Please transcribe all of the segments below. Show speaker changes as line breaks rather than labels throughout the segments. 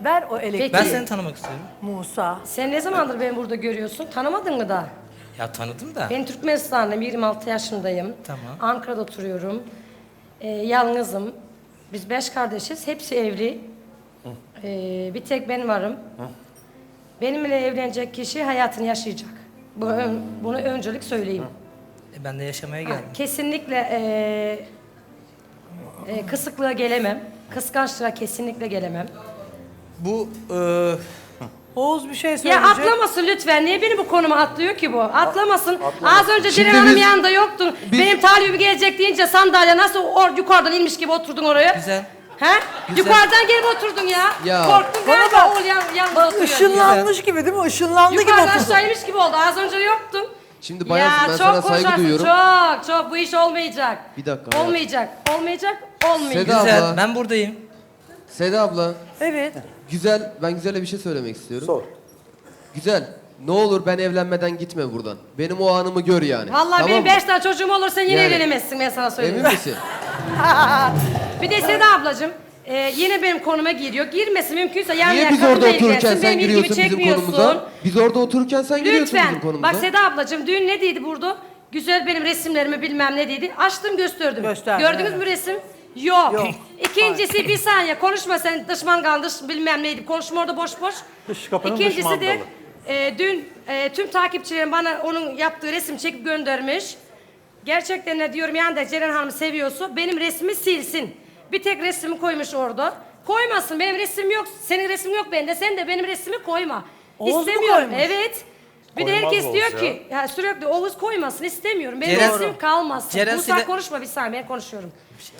Ver o elektriği.
Ben seni tanımak istiyorum.
Musa.
Sen ne zamandır beni burada görüyorsun? Tanımadın mı da?
Ya tanıdım da.
Ben Türkmenistanlıyım, 26 yaşındayım.
Tamam.
Ankara'da oturuyorum. Yalnızım. Biz 5 kardeşiz, hepsi evli. Bir tek ben varım. Benimle evlenecek kişi hayatını yaşayacak. Bunu öncelik söyleyeyim.
Ben de yaşamaya geldim.
Kesinlikle kısıklığa gelemem. Kıskançlığa kesinlikle gelemem.
Bu
Oğuz bir şey
Ya
söyleyecek.
atlamasın lütfen. Niye beni bu konuma atlıyor ki bu? Atlamasın. Az önce
Şimdi
Ceren Hanım
biz-
yanında yoktun. Benim talibim gelecek deyince sandalye nasıl yukarıdan inmiş gibi oturdun oraya?
güzel.
He?
Güzel.
Yukarıdan gelip oturdun ya.
Ya.
Korktun
Bana
galiba
bak.
oğul yanında
Bak
oturuyor.
ışınlanmış gibi değil mi? Işınlandı gibi
Yukarıdan
oturdu.
aşağı inmiş gibi oldu. Az önce yoktun.
Şimdi bayansın, ben
çok
sana saygı
konuşarsın,
duyuyorum.
Çok. Bu iş olmayacak.
Bir dakika, hayat.
Olmayacak. Olmayacak.
Seda
Güzel.
abla.
Ben buradayım.
Seda abla,
Evet.
güzel, ben Güzel'e bir şey söylemek istiyorum.
Sor.
Güzel, ne olur ben evlenmeden gitme buradan. Benim o anımı gör yani.
Vallahi
Tamam
benim
mı?
5 tane çocuğum olur sen yine
Yani.
evlenemezsin ben sana söyleyeyim.
Emin misin?
Bir de Seda ablacığım yine benim konuma giriyor. Girmesi mümkünse yan
Niye
yana
biz orada
kadınla
otururken
ilgilensin.
sen
Benim ilgimi
giriyorsun bizim
çekmiyorsun.
konumuza? Biz orada otururken sen giriyorsun
Lütfen.
bizim konumuza.
Bak Seda ablacığım dün ne dedi burada? Güzel benim resimlerimi bilmem ne dedi. Açtım gösterdim.
Gösterdi,
Gördünüz
evet.
mü resim? Yok.
Yok.
İkincisi bir saniye konuşma sen dış mangal dış bilmem neydi. Konuşma orada boş boş.
Dış kapının dış
İkincisi de
mandalı.
dün tüm takipçilerim bana onun yaptığı resim çekip göndermiş. Gerçekten ne diyorum yani da Ceren Hanım seviyorsa benim resmimi silsin. Bir tek resmimi koymuş orada. Koymasın benim resmim yok. Senin resmin yok bende. Sen de benim resmimi koyma.
Oğuz mu
İstemiyorum.
koymuş?
Evet. Bir de
Koymaz
herkes
Oğuz
diyor
ya.
ki ya sürekli Oğuz koymasın istemiyorum. Benim
Ceren-
resmim kalmasın.
Ceren
Musa
sile-
konuşma bir saniye ben konuşuyorum.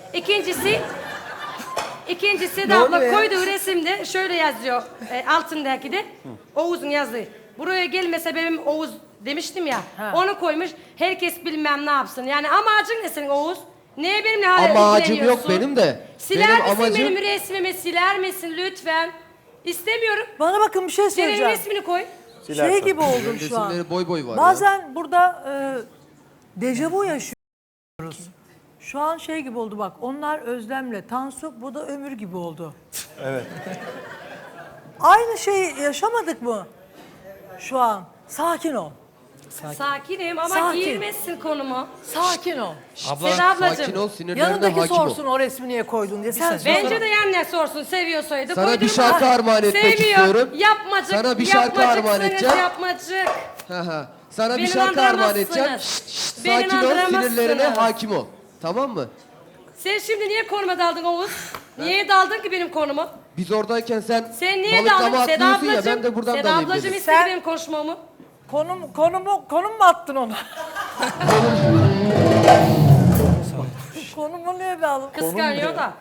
İkincisi de
Ne
abla
oluyor ya?
koyduğu resimde şöyle yazıyor altındaki de Oğuz'un yazdığı. Buraya gelme sebebim Oğuz demiştim ya.
Ha.
Onu koymuş. Herkes bilmem ne yapsın. Yani amacın ne senin Oğuz? Niye benimle hala
Amacım yok
ilgileniyorsun?
benim de.
Siler
Benim
misin
amacım-
benim resmimi? Siler misin lütfen? İstemiyorum.
Bana bakın bir şey
Senin
söyleyeceğim.
resmini koy.
Silersen.
Şey gibi oldum şu an.
Resimleri boy boy var ya.
Bazen burada dejavu yaşıyoruz. Şu an şey gibi oldu bak. Onlar Özlem'le Tansu, bu da Ömür gibi oldu.
Evet.
Aynı şeyi yaşamadık mı? Şu an. Sakin ol.
Sakinim ama
Sakin.
girmezsin konuma.
Sakin ol.
Abla
Seda ablacığım.
Sakin ol, sinirlerine
Yanındaki
hakim
sorsun
ol.
o resmi niye koydun diye. Sen sor.
Bence de yanına sorsun seviyorsaydı.
Sana bir
koydurma.
şarkı armağan etmek
Sevmiyor.
istiyorum.
Yapmacık.
Sana bir şarkı armağan
yapmacıksınız,
edeceğim.
Yapmacık.
Sana bir
Beni
şarkı armağan
andıramazsınız.
edeceğim.
Beni
Sakin ol,
andıramazsınız.
sinirlerine hakim ol. Tamam mı?
Sen şimdi niye konuma daldın Oğuz? Niye daldın ki benim konuma?
Biz oradayken sen
Sen niye
balıklama
daldın? Seda
atlıyorsun ya,
ablacığım.
ben de buradan
Seda
dalayım
ablacığım
dedim.
istedi
Sen-
benim konuşmamı.
Konum mu attın ona? Konumu niye bağlı?
Kıskanıyor da.